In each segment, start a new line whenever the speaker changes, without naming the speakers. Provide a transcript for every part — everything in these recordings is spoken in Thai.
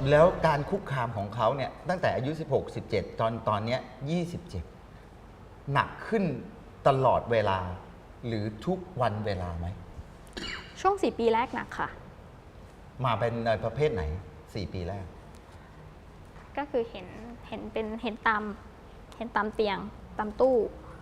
แล้วการคุกคามของเขาเนี่ยตั้งแต่อายุ 16 17 ตอนเนี้ย27 หนักขึ้นตลอดเวลา หรือทุกวันเวลาไหม
ช่วง4 ปีแรกหนักค่ะ
มาเป็นในประเภทไหน 4 ปีแรก
ก็คือเห็นตามเตียงตามตู้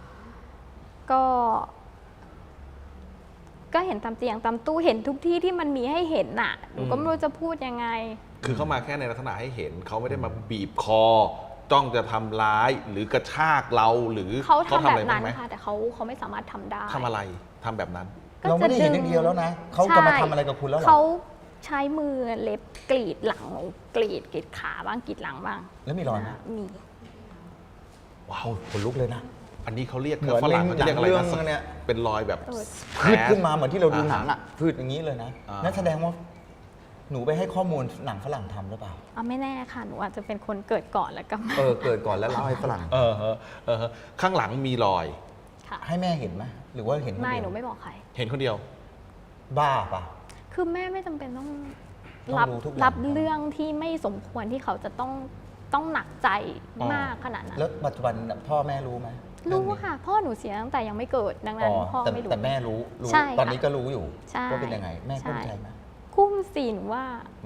ก็เห็นตามเตียงตามตู้เห็นทุกที่ที่มันมีให้เห็นน่ะหนูก็ไม่รู้จะพูดยังไง
คือเขามาแค่ในลักษณะให้เห็นเขาไม่ได้มาบีบคอ จ้องจะทำร้ายหรือกระชากเราหรือ
เขาทำแบบ
อะไร
นั้
บ้าง
น
ไหม
ค่ะแต่เขาไม่สามารถทำได้
ทำอะไรทำแบบนั้น
ก็
เราไม่ได้เห็นอย่างเดียวแล้วนะเขาจะมาทำอะไรกับคุณแล้วเหรอ
เขาใช้มือเล็บกรีดหลังหนูกรีดขาบ้างกรีดหลังบ้าง
แล้วมีรอยไหม
มี
ว้าวขนลุกเลยนะ
อันนี้เขาเรียก
เหมือน
ฝรั่งเขาจะเรียกอะไร
เรื่
นะ
องเนี่ย
เป็นรอยแบบ
พืดขึ้นมาเหมือนที่เราดูหนังอ่ะพืดอย่างนี้เลยนะ
อ่านั่
นั่นแสดงว่าหนูไปให้ข้อมูลหนังฝรั่งทำหรือเปล่า
ไม่แน่ค่ะหนูอาจจะเป็นคนเกิดก่อนแล้วก็มา
เกิดก่อนแล้วเล่าให้ฝรั่ง
ข้างหลังมีรอย
ค่ะ
ให้แม่เห็นไหมหรือว่าเห็นคน
ไม่
เดียว
หนูไม่บอกใคร
เห็นคนเดียว
บ้าปะ
คือแม่ไม่จำเป็นต้อง
ต้อง
รับ
รู้ทุกอย่าง
รับเรื่องที่ไม่สมควรที่เขาจะต้องหนักใจมากขนาดนั้น
แล้วปัจจุบันพ่อแม่รู้ไหม
รู้ค่ะ พ่อหนูเสียตั้งแต่ยังไม่เกิดดังนั้นพ่อไม่รู้
แต่แม่รู้
ใช่ค่ะ
ตอนนี้ก็รู้อยู่
ใช่
ว่าเป็นยังไง แม่กุ้มใจไหม
กุ้มสีหนูว่าม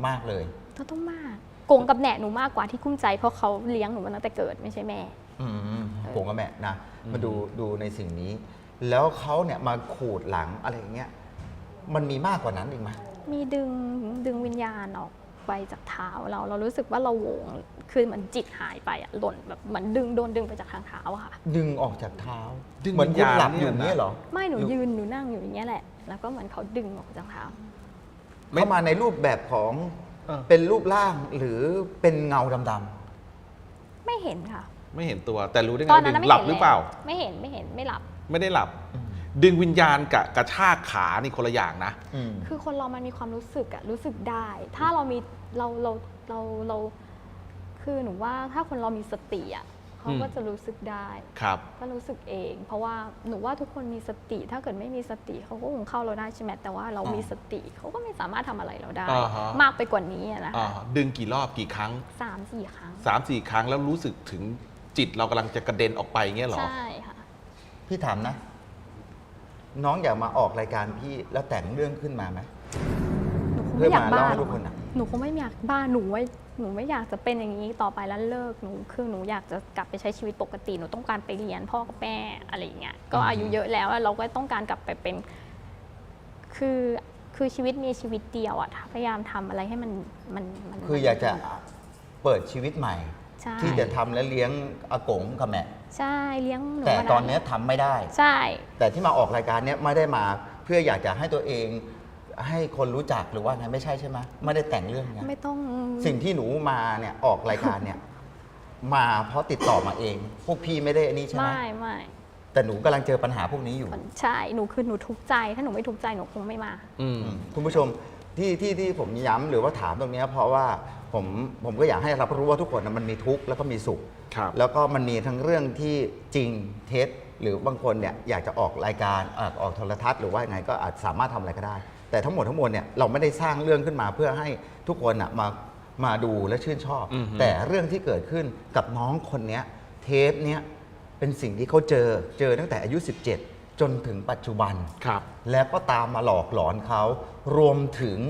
ากเลย
ต้องมากโกงกับแหนหนูมากกว่าที่กุ้มใจเพราะเขาเลี้ยงหนูมาตั้งแต่เกิดไม่ใช่แม่
ผมกับแม่นะมาดูในสิ่งนี้ แล้วเขาเนี่ยมาขูดหลังอะไรอย่างเงี้ยมันมีมากกว่านั้นอีกไหม
มีดึงวิญญาณออกไปจากเท้าเรารู้สึกว่าเราโหวงคือเหมือนจิตหายไปอะหล่นแบบเหมือนโดนดึงไปจากทางเท้าอะค่ะ
ดึงออกจากเท้า
ดึง
เหมือนคุณหลับ
วิญญาณ
อยู่
เนี่ยนะ
เนี่ยเหรอ
ไม่หนูยืนหนูนั่งอยู่อย่างเงี้ยแหละ แล้วก็เหมือนเขาดึงออกจากเท้า
ไม่
เข้ามาในรูปแบบของ
เออ
เป็นรูปร่างหรือเป็นเงาดำ
ไม่เห็นค่ะ
ไม่เห็นตัวแต่รู้ได้ไง
ตอน
ว่า
นั้น
ดึ
ไม่
งหลับ
เห็น
หรือเปล่า
ไม่เห็นไม่หลับ
ไม่ได้หลับ ดึงวิญญาณกับกระชากขานี่คนละอย่างนะ
ๆ
คือคนเรามันมีความรู้สึกอะรู้สึกได้ ถ้าเรามีเราคือหนูว่าถ้าคนเรามีสติอะเขาก็จะรู้สึกได้
ครับ
ก็รู้สึกเอง เพราะว่าหนูว่าทุกคนมีสติ ถ้าเกิดไม่มีสติเขาก็คงเข้าเราได้ใช่ไหมแต่ว่าเรามีสติเขาก็ไม่สามารถทำอะไรเราได้
อ่าฮะ
มากไปกว่านี้อะนะ
อ่า
คะ
ดึงกี่รอบกี่ครั้ง
3-4 ครั้ง
3-4 ครั้งแล้วรู้สึกถึงจิตเรากำลังจะกระเด็นออกไปเงี้ยเหรอ
ใช่ค่ะ
พี่ถามนะ น้องอยากมาออกรายการพี่แล้วแต่งเรื่องขึ้นมาไหม
หนูคง
เพื่อ
ไม่อยาก
มา
บ้า
เล่าให้
หร
ทุ
อก
คนอ่ะ
หนูคงไม่อยากบ้าหนูไม่อยากจะเป็นอย่างนี้ต่อไปแล้วเลิกหนูคือหนูอยากจะกลับไปใช้ชีวิตปกติหนูต้องการไปเรียนพ่อกับแม่อะไรอย่างเงี้ยก็อายุเยอะแล้วเราก็ต้องการกลับไปเป็นคือชีวิตมีชีวิตเดียวอะพยายามทำอะไรให้มัน
คืออยากจะเปิดชีวิตใหม่
ใช่
ที่จะทำและเลี้ยงอากงกับแม่
ใช่เลี้ยงหนู
แต่
มา
ตอนเนี้ยทำไม่ได้
ใช่
แต่ที่มาออกรายการเนี้ยไม่ได้มาเพื่ออยากจะให้ตัวเองให้คนรู้จักหรือว่าไงไม่ใช่ใช่ไหมไม่ได้แต่งเรื่องไง
ไม่ต้อง
สิ่งที่หนูมาเนี่ยออกรายการเนี่ย มาเพราะติดต่อมาเอง พวกพี่ไม่ได้อันนี้ใช่ไหม
ไม่
แต่หนูกำลังเจอปัญหาพวกนี้อยู่
ใช่หนูทุกข์ใจถ้าหนูไม่ทุกข์ใจหนูคงไม่มา
อืม
คุณผู้ชมที่ผมย้ำหรือว่าถามตรงเนี้ยเพราะว่าผมก็อยากให้รับรู้ว่าทุกคนนะมันมีทุกข์แล้วก็มีสุข
ครับ
แล้วก็มันมีทั้งเรื่องที่จริงเท็จหรือบางคนเนี่ยอยากจะออกรายการออกโทรทัศน์หรือว่ายังไงก็อาจสามารถทำอะไรก็ได้ แต่ทั้งหมดทั้งมวลเนี่ยเราไม่ได้สร้างเรื่องขึ้นมาเพื่อให้ทุกคนอ่ะมาดูและชื่นชอบ
อือฮึ
แต่เรื่องที่เกิดขึ้นกับน้องคนเนี้ยเทปเนี้ยเป็นสิ่งที่เขาเจอตั้งแต่อายุ 17 จนถึงปัจจุบัน
ครับ
แล้วก็ตามมาหลอกหลอนเขารวมถึง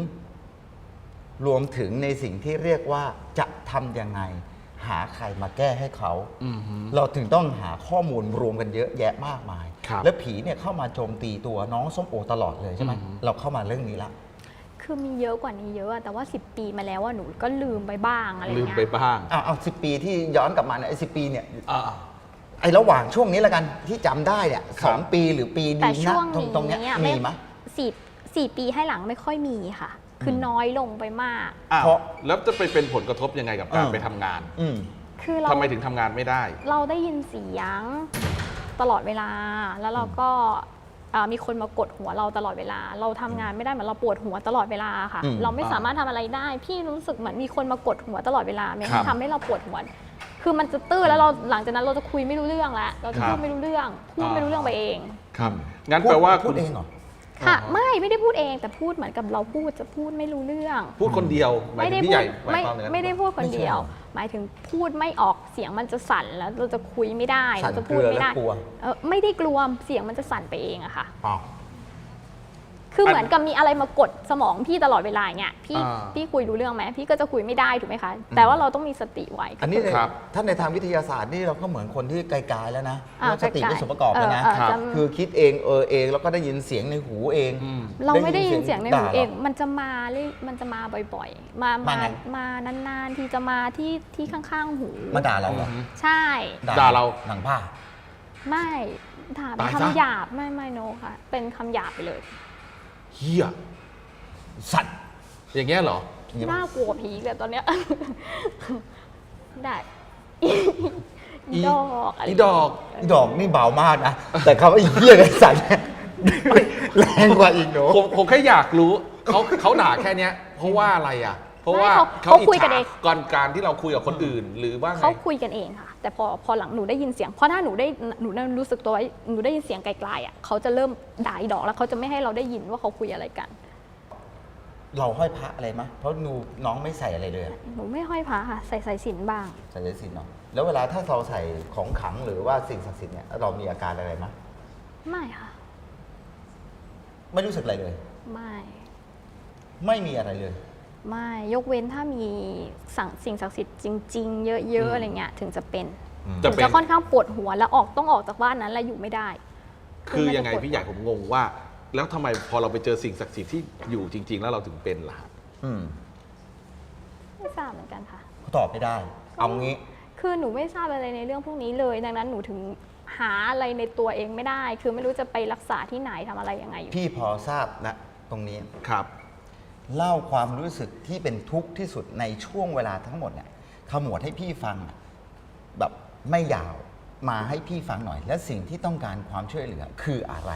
ในสิ่งที่เรียกว่าจะทำยังไง หาใครมาแก้ให้เขา
อือฮึ
เราถึงต้องหาข้อมูลรวมกันเยอะแยะมากมาย
ครับ
แล้วผีเนี่ยเข้ามาโจมตีตัวน้องส้มโอตลอดเลยใช่ไหม
อือฮึ
เราเข้ามาเรื่องนี้ละ
คือมีเยอะกว่านี้เยอะอะแต่ว่า10 ปีมาแล้วว่าหนูก็ลืมไปบ้างอะไร
ลืม
เงี้
ไป
ย
บ้าง
เอา10 ปีที่ย้อนกลับมาเนี่ยไอ้10 ปีเนี่ย
อ่า
ไอ้ระหว่างช่วงนี้ละกันที่จำได้เนี่ย
ครับ
2 ปีหรือปี
แต่
ดี
ช่
นะ
วง
ตรงเนี้ย
นี้
มีไหม
สี่ปีให้หลังไม่ค่อยมีค่ะ คือน้อยลงไปมาก
อ้าว
เพราะ
แล้วจะไปเป็นผลกระทบยังไงกับการไปทำงาน
อืม
คือเรา
ทำไมถึงทำงานไม่ได้
เราได้ยินเสียงตลอดเวลา แล้วเราก็มีคนมากดหัวเราตลอดเวลา เราทำงานไม่ได้เหมือนเราปวดหัวตลอดเวลาค่ะ
อืม
เราไม่สามารถทำอะไรได้ พี่รู้สึกเหมือนมีคนมากดหัวตลอดเวลามัน
ครับ
ทำให้เราปวดหัว คือมันจะตื้อแล้วเราหลังจากนั้นเราจะคุยไม่รู้เรื่องแล้วเราจะ
ครับ
พูดไม่รู้เรื่องพูดไม่รู้เรื่องไปเอง
ครับ งั้นแปลว่า
พูด
คุณ
เองเหรอ
ค่ะ
อ๋อ
ไม่ได้พูดเองแต่พูดเหมือนกับเราพูดไม่รู้เรื่อง
พูดคนเดียวหมาย
ไม่
ถึ
ได้
งพี่
พู
ใหญ่
ด
หมายความอย่างนั้น
ไม่ได้พูดคนเดียว
ไม่ใช่
หมายถึงพูดไม่ออกเสียงมันจะสั่นแล้วเราจะคุยไม่ได้
สั่น
เราจะ
เก
พู
ลื
ด
อ
ไม่
และ
ได้
กลัว
ไม่ได้กลัวเสียงมันจะสั่นไปเองอะค่ะ
อ๋อ
คือเหมือนกับมีอะไรมากดสมองพี่ตลอดเวลาอย่างเงี้ยพี่
อ่า
พี่คุยรู้เรื่องไหมพี่ก็จะคุยไม่ได้ถูกไหมคะแต่ว่าเราต้องมีสติไว้
อันนี้ใน
ครับ
ถ้าในทางวิทยาศาสตร์นี่เราก็เหมือนคนที่ไกลๆแล้วนะ
อ่า
เรื่องสติ
ไกลๆ
เป็นส่วนประกอบแล้วนะ
ครับ
จะ
คือคิดเองเองแล้วก็ได้ยินเสียงในหูเอง
อืม
เราไม่ได้ยินเสียงในหูเอง
ด่าหร
มันจะมาเลยมันจะมาบ่อยๆ มา
มาไง
มานานๆ ที่จะมาที่ข้างๆหู
มาด่าเราเหรอ
ใช่
ด่าเรา
หนังผ้า
ไม่ด่าเป็น
ตายซะ
คำหยาบไม่โนค่ะ เป็นคำหยาบไปเลย
เฮีย
สัตว์
อย่างเงี้ยเหรอ
น่ากลัวผีเลยตอนเนี้ย ได้ อีดอกะไร
อีดอก
ดอกนี่เบามากนะ แต่คำว่าไอ้เหี้ยไอ้สัตว์เนี่ยแรงกว่าอีกหนู
ผมแค่อยากรู้เขาด่าแค่เนี้ย เพราะว่าอะไรอ่ะ เพราะว่า
ไม่เขาคุยกันเอง
ก่อนการที่เราคุยกับคนอื่น หรือว่าไง
เขาคุยกันเองค่ะ แต่พอหลังหนูได้ยินเสียงเพราะถ้าหนูได้รู้สึกตัวว่าหนูได้ยินเสียงไกลๆอ่ะเขาจะเริ่มด่าอีดอกแล้วเขาจะไม่ให้เราได้ยินว่าเขาคุยอะไรกัน
เราห้อยพระอะไรมะเพราะน้องไม่ใส่อะไรเลยอะ
หนูไม่ห้อยพระค่ะใส่สายสิญจนบ้าง
ใส่สายสิญจน์เนาะแล้วเวลาถ้าเราใส่ของขลังหรือว่าสิ่งศักดิ์สิทธิ์เนี่ยเรามีอาการอะไรมะ
ไม่ค่ะ
ไม่รู้สึกอะไรเลย
ไม่
ไม่มีอะไรเลย
ไม่ยกเว้นถ้ามีสิ่งศักดิ์สิทธิ์จริง ๆ เยอะๆอะไรเงี้ยถึงจะเป็น
จะ
ถึง
เป็น
จะค่อนข้างปวดหัวแล้วต้องออกจากบ้านนั้นแล้วอยู่ไม่ได้
คือยังไง
มันจะปวด
พี่ใหญ่ผมงงว่า แล้วทำไมพอเราไปเจอสิ่งศักดิ์สิทธิ์ที่อยู่จริง ๆ แล้วเราถึงเป็นล่ะฮะ
อืม
ไม่ทราบเหมือนกันค่ะ
ตอบไม่ได้ เอางี้
คือหนูไม่ทราบอะไรในเรื่องพวกนี้เลย ดังนั้นหนูถึงหาอะไรในตัวเองไม่ได้ คือไม่รู้จะไปรักษาที่ไหนทำอะไรยังไงอยู่
พี่พอทราบนะตรงนี้
ครับ
เล่าความรู้สึกที่เป็นทุกข์ที่สุดในช่วงเวลาทั้งหมดเนี่ยขมวดให้พี่ฟังอะแบบไม่ยาวมาให้พี่ฟังหน่อย และสิ่งที่ต้องการความช่วยเหลือคืออะไร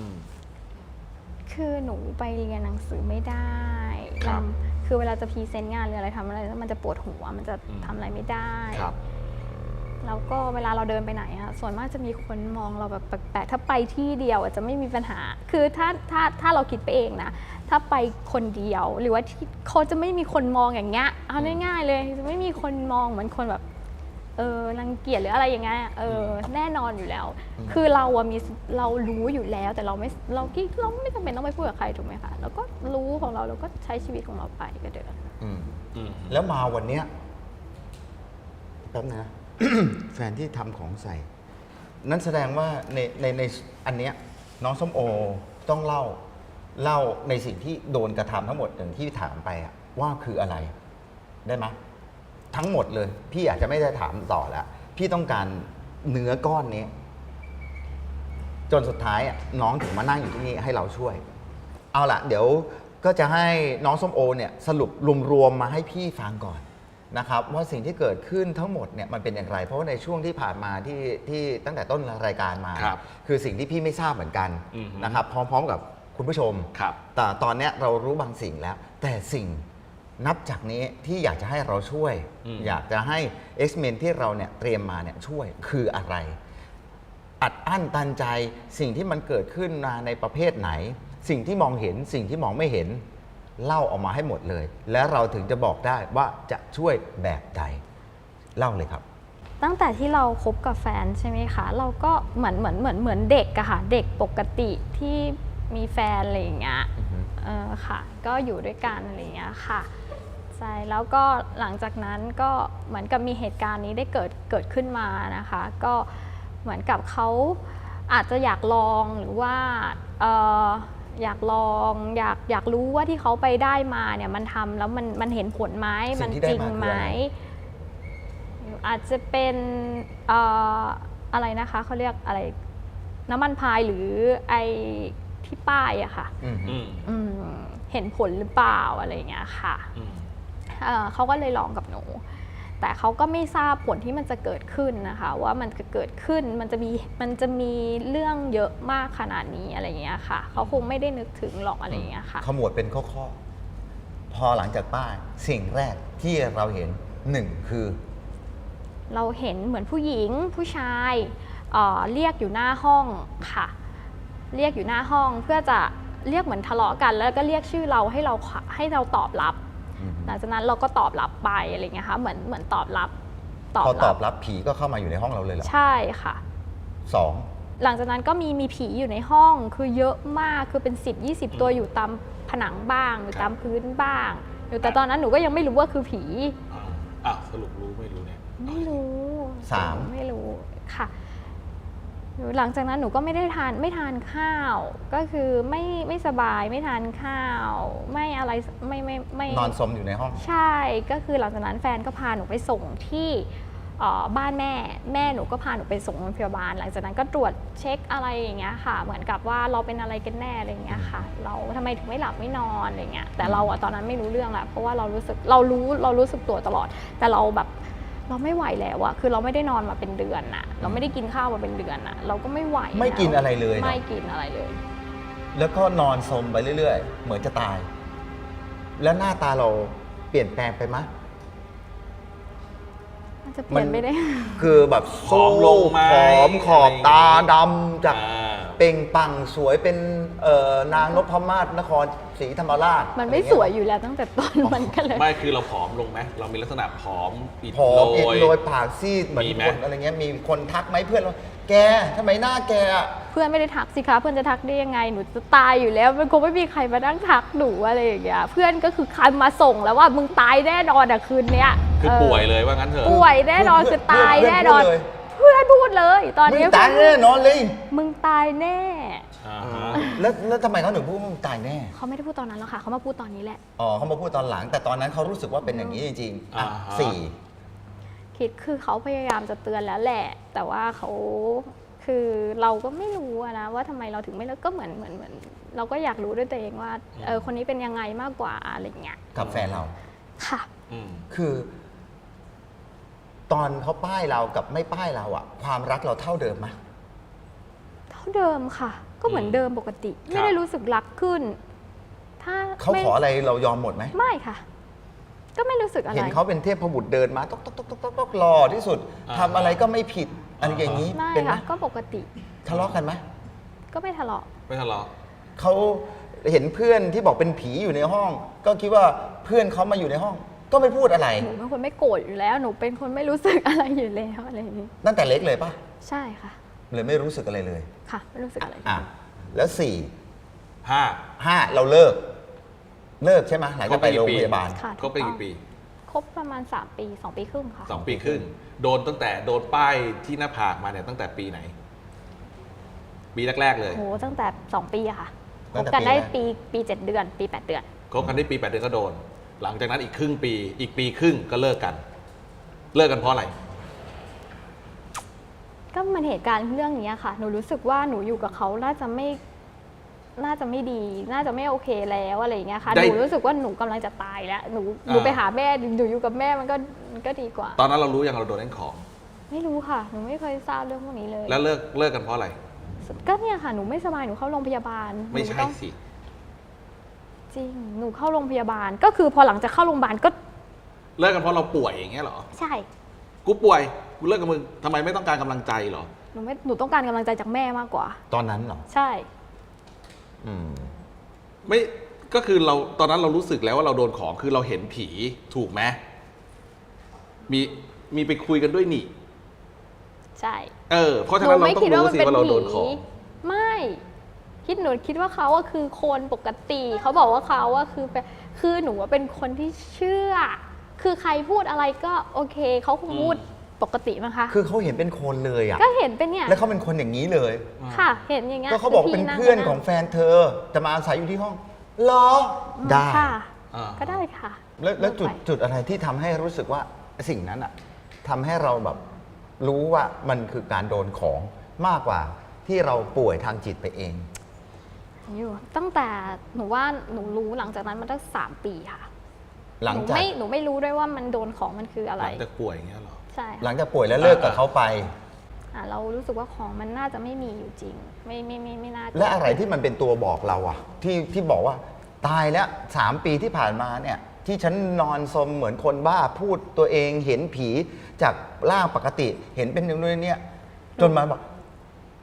คือหนูไปเรียนหนังสือไม่ได้
ครับ
คือเวลาจะพรีเซนต์งานหรืออะไรทำอะไรแล้วมันจะปวดหัว มันจะ
อืม
ทำอะไรไม่ได้
ครับ
แล้วก็เวลาเราเดินไปไหนอะส่วนมากจะมีคนมองเราแบบแปลกๆ ถ้าไปที่เดียวอะจะไม่มีปัญหา คือถ้าเราคิดไปเองนะ ถ้าไปคนเดียวหรือว่าที่เขาจะไม่มีคนมองอย่างเงี้ย เอาง่ายๆเลย จะไม่มีคนมองเหมือนคนแบบรังเกียจหรืออะไรอย่างเงี้ยแน่นอนอยู่แล้ว คือเราอะเรารู้อยู่แล้วแต่เราไม่จำเป็นต้องไปพูดกับใครถูกไหมคะเราก็รู้ของเราก็ใช้ชีวิตของเราไปก็เดิน
อืม
อืม
แล้วมาวันเนี้ยแป๊บนะ แฟนที่ทำของใส่ นั่นแสดงว่าในอันเนี้ยน้องส้มโอต้องเล่าในสิ่งที่โดนกระทำทั้งหมดอย่างที่ถามไปอะว่าคืออะไร ได้ไหมทั้งหมดเลย พี่อาจจะไม่ได้ถามต่อแล้ว พี่ต้องการเนื้อก้อนนี้ จนสุดท้ายอะน้องถึงมานั่งอยู่ที่นี่ให้เราช่วย เอาล่ะ เดี๋ยวก็จะให้น้องส้มโอเนี่ยสรุปรวมๆมาให้พี่ฟังก่อนนะครับว่าสิ่งที่เกิดขึ้นทั้งหมดเนี่ยมันเป็นอย่างไร เพราะว่าในช่วงที่ผ่านมาที่ตั้งแต่ต้นรายการมา
ครับ
คือสิ่งที่พี่ไม่ทราบเหมือนกัน
อือฮึ
นะครับพร้อมๆกับคุณผู้ชม
ครับ
แต่ตอนเนี้ยเรารู้บางสิ่งแล้ว แต่สิ่งนับจากนี้ที่อยากจะให้เราช่วย อยากจะให้ X-Men ที่เราเนี่ยเตรียมมาเนี่ยช่วยคืออะไร อัดอั้นตันใจสิ่งที่มันเกิดขึ้นมาในประเภทไหน สิ่งที่มองเห็นสิ่งที่มองไม่เห็น เล่าออกมาให้หมดเลย และเราถึงจะบอกได้ว่าจะช่วยแบบใดเล่าเลยครับ
ตั้งแต่ที่เราคบกับแฟนใช่ไหมคะเราก็เหมือนเด็กอะค่ะเด็กปกติที่มีแฟนอะไรอย่างเงี้ยค่ะ ก็อยู่ด้วยกันอะไรอย่างเงี้ยค่ะใช่แล้วก็หลังจากนั้นก็เหมือนกับมีเหตุการณ์นี้ได้เกิดขึ้นมานะคะ ก็เหมือนกับเขาอาจจะอยากลองหรือว่าอยากลองอยากรู้ว่าที่เขาไปได้มาเนี่ยมันทำแล้วมันเห็นผลไหม
สิ่
มัน
งที่ได้
จริง
มาคือ
ไหม
อะไร
อาจจะเป็นอะไรนะคะเขาเรียกอะไรน้ำมันพายหรือไอที่ป้ายอะค่ะ
อืม
อืม
เห็นผลหรือเปล่าอะไรอย่างเงี้ยค่ะ
อืม
เขาก็เลยลองกับหนู แต่เขาก็ไม่ทราบผลที่มันจะเกิดขึ้นนะคะ ว่ามันจะเกิดขึ้นมันจะมีเรื่องเยอะมากขนาดนี้อะไรอย่างเงี้ยค่ะเขาคงไม่ได้นึกถึงหรอกอะไรอย่างเงี้ยค่ะ
ขมวดเป็นข้อๆพอหลังจากป้ายสิ่งแรกที่เราเห็นหนึ่งคือ
เราเห็นเหมือนผู้หญิงผู้ชายเรียกอยู่หน้าห้องค่ะ เรียกอยู่หน้าห้องเพื่อจะเรียกเหมือนทะเลาะกัน แล้วก็เรียกชื่อเราให้เราตอบรับ หลังจากนั้นเราก็ตอบรับไปอะไรเงี้ยค่ะเหมือนตอบรับ
พอตอบรับผีก็เข้ามาอยู่ในห้องเราเลยเหรอ
ใช่ค่ะ
สอง
หลังจากนั้นก็มีผีอยู่ในห้องคือเยอะมากคือเป็น10-20 ตัวอยู่ตามผนังบ้างอยู่ตามพื้นบ้างอยู่แต่ตอนนั้นหนูก็ยังไม่รู้ว่าคือผี
สรุปรู้ไม่รู้เนี่ย
ไม่รู้
สาม
ไม่รู้ค่ะหลังจากนั้นหนูก็ไม่ทานข้าว ก็คือไม่สบายไม่ทานข้าว ไม่อะไรไม่
นอนสมอยู่ในห้อง
ใช่ก็คือหลังจากนั้นแฟนก็พาหนูไปส่งที่บ้านแม่หนูก็พาหนูไปส่งโรงพยาบาลหลังจากนั้นก็ตรวจเช็คอะไรอย่างเงี้ยค่ะเหมือนกับว่าเราเป็นอะไรกันแน่อะไรอย่างเงี้ยค่ะเราทำไมถึงไม่หลับไม่นอนอะไรเงี้ยแต่เราอะตอนนั้นไม่รู้เรื่องแหละเพราะว่าเรารู้สึกตัวตลอดแต่เราแบบเราไม่ไหวแล้วอะคือเราไม่ได้นอนมาเป็นเดือนอะเราไม่ได้กินข้าวมาเป็นเดือนอะเราก็ไม่ไหว
ไม่กินอะไรเลยเหรอ
ไม่กินอะไรเลย
แล้วก็นอนสมไปเรื่อยๆ เหมือนจะตาย แล้วหน้าตาเราเปลี่ยนแปลงไปไหม
มันจะเปลี่ยนไปได้
คือแบบ
ผอมลงไหม
ผอมขอบตาดำจาก
อ่า
เปล่งปลั่งสวยเป็นนางนพมาศนครศรีธรรมราช
มันไม่สวยอยู่แล้วตั้งแต่ต้นมันก็เลย
ไม่คือเราผอมลงไหมเรามีลักษณะผอมอิด
ผอมอิด
โร
โร
ย
ยปากซีดเหมือน
มีไหม
คนอะไรเงี้ยมีคนทักไหมเพื่อนว่าแกทำไมหน้าแกอะ
เพื่อนไม่ได้ทักสิคะเพื่อนจะทักได้ยังไงหนูจะตายอยู่แล้วมันคงไม่มีใครมานั่งทักหนูอะไรอย่างเงี้ยเพื่อนก็คือคันมาส่งแล้วว่ามึงตายแน่นอนอะคืนเนี้ย
คือป่วยเลยว่างั้นเถอะ
ป่วยแน่นอนคือตายแน่นอน เพื่อนพูดเลย ตอน
มึง
นี้
ตายแน่นอนเลย
มึงตายแน่
อ่าฮะ
แล้วทำไมเขาถึงพูดว่ามึงตายแน่
เขาไม่ได้พูดตอนนั้นหรอกค่ะเขามาพูดตอนนี้แหละ
อ๋อเขามาพูดตอนหลัง แต่ตอนนั้นเขารู้สึกว่าเป็นอย่างนี้จริงๆอ่ะ
อ่าฮะ
สี่
คิดคือเขาพยายามจะเตือนแล้วแหละ แต่ว่าเขาคือเราก็ไม่รู้อะนะว่าทำไมเราถึงไม่เลิกก็เหมือนเราก็อยากรู้ด้วยตัวเองว่าคนนี้เป็นยังไงมากกว่าอะไรอย่างเงี้ย
กับแฟนเรา
ค่ะ
อืม
คือ ตอนเขาป้ายเรากับไม่ป้ายเราอะความรักเราเท่าเดิมไหม
เท่าเดิมค่ะ ก็เหมือนเดิมปกติ ไม่ได้รู้สึกรักขึ้น ถ้า
เขา
ไม่
ขออะไรเรายอมหมดไหม
ไม่ค่ะ ก็ไม่รู้สึกอะไร
เห็นเขาเป็นเทพบุตรเดินมาต๊อกต๊อกต๊อกต๊อกต๊อกต๊อกหล่อที่สุด
อ่า
ทำอะไรก็ไม่ผิดอะไรอย่างนี้
ไม่
เป็นไหม
ค่ะ ก็ปกติ
ทะเลาะกันไหม
ก็ไม่ทะเลาะ
ไม่ทะเลาะ
เขาเห็นเพื่อนที่บอกเป็นผีอยู่ในห้อง ก็คิดว่าเพื่อนเขามาอยู่ในห้อง ก็ไม่พูดอะไร
หนูเป็นคนไม่โกรธอยู่แล้ว หนูเป็นคนไม่รู้สึกอะไรอยู่แล้วอะไรอย่างนี้
ตั้งแต่เล็กเลยปะ
ใช่ค่ะ
เลยไม่รู้สึกอะไรเลย
ค่ะ ไม่รู้สึกอะไร
อ่ะแล้วสี่
ห้า
เราเลิกใช่ไหมหลังจากไปโรงพยาบาล
ค่ะ
คบไปกี่ปี
ครบประมาณ3 ปี 2 ปีครึ่งค่ะ
2 ปีครึ่งโดนตั้งแต่โดนป้ายที่หน้าผากมาเนี่ยตั้งแต่ปีไหน ปีแรกๆเลย
โหตั้งแต่2 ปีอะค่ะค
ตั้
บ
งแต่
กันได้
ปีแรก
ปี 7 เดือน ปี 8 เดือน
คบกันได้ปี 8 เดือนก็โดน หลังจากนั้นอีกครึ่งปี อีกปีครึ่งก็เลิกกัน เลิกกันเพราะอะไร
ก็มันเหตุการณ์เรื่องนี้ค่ะ หนูรู้สึกว่าหนูอยู่กับเขาน่าจะไม่ดี น่าจะไม่โอเคแล้วอะไรอย่างเงี้ยค่ะ
ได้
หนูรู้สึกว่าหนูกำลังจะตายแล้ว หนูไปหาแม่หนูอยู่กับแม่มันก็ดีกว่า
ตอนนั้นเรารู้ยังเราโดนเล่นของ
ไม่รู้ค่ะ หนูไม่เคยทราบเรื่องพวกนี้เลย
แล้วเลิกกันเพราะอะไร
ก็เนี่ยค่ะ หนูไม่สบาย หนูเข้าโรงพยาบาล
ไม่
หนู
ใช่
ต้อง
สิ
จริง หนูเข้าโรงพยาบาล ก็คือพอหลังจากเข้าโรงพยาบาลก็
เลิกกันเพราะเราป่วยอย่างเงี้ยเหรอ
ใช่
กูป่วย กูเลิกกับมึงทำไมไม่ต้องการกำลังใจเหรอ
หนูต้องการกำลังใจจากแม่มากกว่า
ตอนนั้นเหรอ
ใช่
อืม
ไม่ ก็คือเราตอนนั้นเรารู้สึกแล้วว่าเราโดนของ คือเราเห็นผีถูกไหมมีไปคุยกันด้วยนี่
ใช่
เพราะฉะนั้นเราต้องรู้สิว่าเราโดนของ
ไม่หนูคิดว่าเขาอะคือคนปกติ เขาบอกว่าเขาอะคือหนูว่าเป็นคนที่เชื่อ คือใครพูดอะไรก็โอเค เขาคงพูดปกติมั้งคะ
คือเขาเห็นเป็นคนเลยอะ
ก็เห็นเป็นเนี่ย
แล้วเขาเป็นคนอย่างนี้เลย
ค่ะ เห็นอย่างเงี้ย
ก็เขาบอก
คื
เป็น
พี่
เพื่อน
ง
ของแฟนเธอ จะมาอาศัยอยู่ที่ห้องเหรอ ได้
ค่ะ
อ่า
ก็ได้ค่ะ
แล้วจุด
ไป
จุดอะไรที่ทำให้รู้สึกว่าสิ่งนั้นอะทำให้เราแบบรู้ว่ามันคือการโดนของมากกว่าที่เราป่วยทางจิตไปเอง
อยู่ตั้งแต่หนูว่าหนูรู้หลังจากนั้นมันตั้ง3 ปีค่ะ
หลังจาก
หนูไม่รู้ด้วยว่ามันโดนของมันคืออะ
ห
ไร
ลังจากป่วยอย่างเงี้ยเหรอ
ใช่
หลังจากป่วยแล้วเลิกกับเขาไป
เรารู้สึกว่าของมันน่าจะไม่มีอยู่จริง ไม่น่าจ
และอะไรที่มันเป็นตัวบอกเราอะที่บอกว่าตายแล้ว3 ปีที่ผ่านมาเนี่ย ที่ฉันนอนสมเหมือนคนบ้าพูดตัวเองเห็นผีจากร่างปกติ เห็นเป็นอย่างนี้เนี่ยจนมาบอก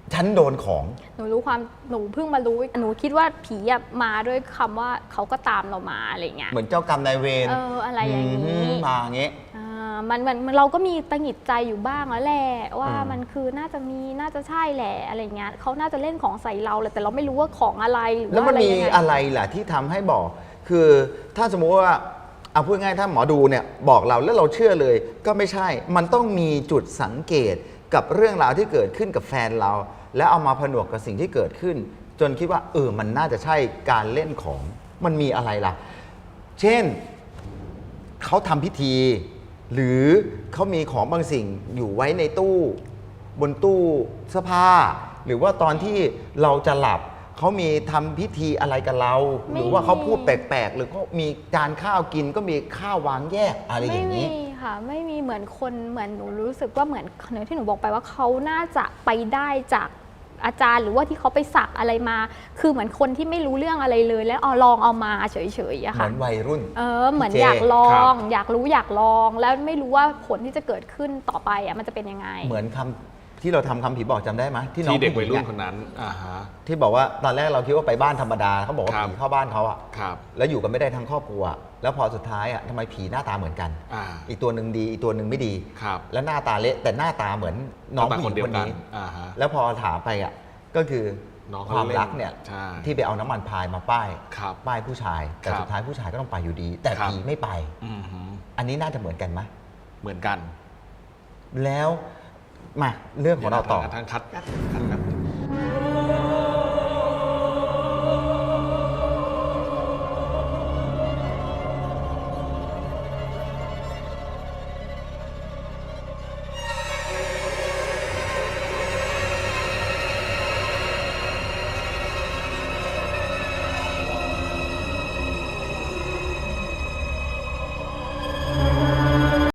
ฉันโดนของ
หนูเพิ่งมารู้หนูคิดว่าผีอะมาด้วยคำว่าเขาก็ตามเรามาอะไรเงี้ย
เหมือนเจ้ากรรมนายเวร
อะไรอย่างนี้
มาอย่างงี้
มันเราก็มีตังหงิดใจอยู่บ้างแล้วแหละว่ามันคือน่าจะใช่แหละอะไรเงี้ยเขาน่าจะเล่นของใส่เราแหละแต่เราไม่รู้ว่าของอะไรหรือ
แล้ว
ว่า
มัน
อะไร
มี
ยังไง
อะไรล่ะที่ทำให้บอก คือถ้าสมมุติว่าเอาพูดง่ายๆถ้าหมอดูเนี่ยบอกเราแล้วเราเชื่อเลยก็ไม่ใช่ มันต้องมีจุดสังเกตกับเรื่องราวที่เกิดขึ้นกับแฟนเรา แล้วเอามาผนวกกับสิ่งที่เกิดขึ้น จนคิดว่ามันน่าจะใช่การเล่นของมันมีอะไรล่ะ เช่นเขาทำพิธี หรือเขามีของบางสิ่งอยู่ไว้ในตู้บนตู้เสื้อผ้า หรือว่าตอนที่เราจะหลับเขามีทำพิธีอะไรกับเรา หรือว่าเขาพูดแปลกๆ หรือเขามีจานข้าวกินก็มีข้าววางแยกอะไรอย่างนี้
ไม่มีค่ะไม่มีเหมือนหนูรู้สึกว่าเหมือนที่หนูบอกไปว่าเขาน่าจะไปได้จากอาจารย์หรือว่าที่เขาไปสักอะไรมา คือเหมือนคนที่ไม่รู้เรื่องอะไรเลยแล้วลองเอามาเฉยๆอะ
เห
ค่ะ
มือนวัยรุ่น
เหมือน
พี่เจ
อยากลอ
ครั
ง
บ
อยากรู้อยากลอง แล้วไม่รู้ว่าผลที่จะเกิดขึ้นต่อไปอะมันจะเป็นยังไง
เหมือนคำที่เราทำคำผีบอกจำได้ไหมที่น้อง
ที่เด็ก
ผู้
วัย
หญิ
รุ่
ง
นคนนั้นฮะ
ที่บอกว่าตอนแรกเราคิดว่าไปบ้านธรรมดาเขาบอกว่า
ครับ
ผีเข้าบ้านเขาอะ
ครับ
แล้วอยู่กันไม่ได้ทั้งครอบครัว แล้วพอสุดท้ายอะทำไมผีหน้าตาเหมือนกัน อีกตัวหนึ่งดีอีกตัวหนึ่งไม่ดี
ครับ
แล้วหน้าตาเละแต่หน้าตาเหมือนน้อง
ตา
ผู้หญิงคนนี้
ฮะ
แล้วพอถามไปอ่ะก็คือ
น้อง
ค
เขา
วาม
เล่น
รักเนี่ย
ใช่
ที่ไปเอาน้ำมันพายมาป้าย
ครับ
ป้ายผู้ชาย แต่
ครับ
สุดท้ายผู้ชายก็ต้องไปอยู่ดี แต่
ครับ
ผีไม่ไป
อือหือ
อันนี้น่าจะเหมือนกันไหม
เหมือนกัน
แล้วมาเรื่องของเราต่อ
ทั้งคัด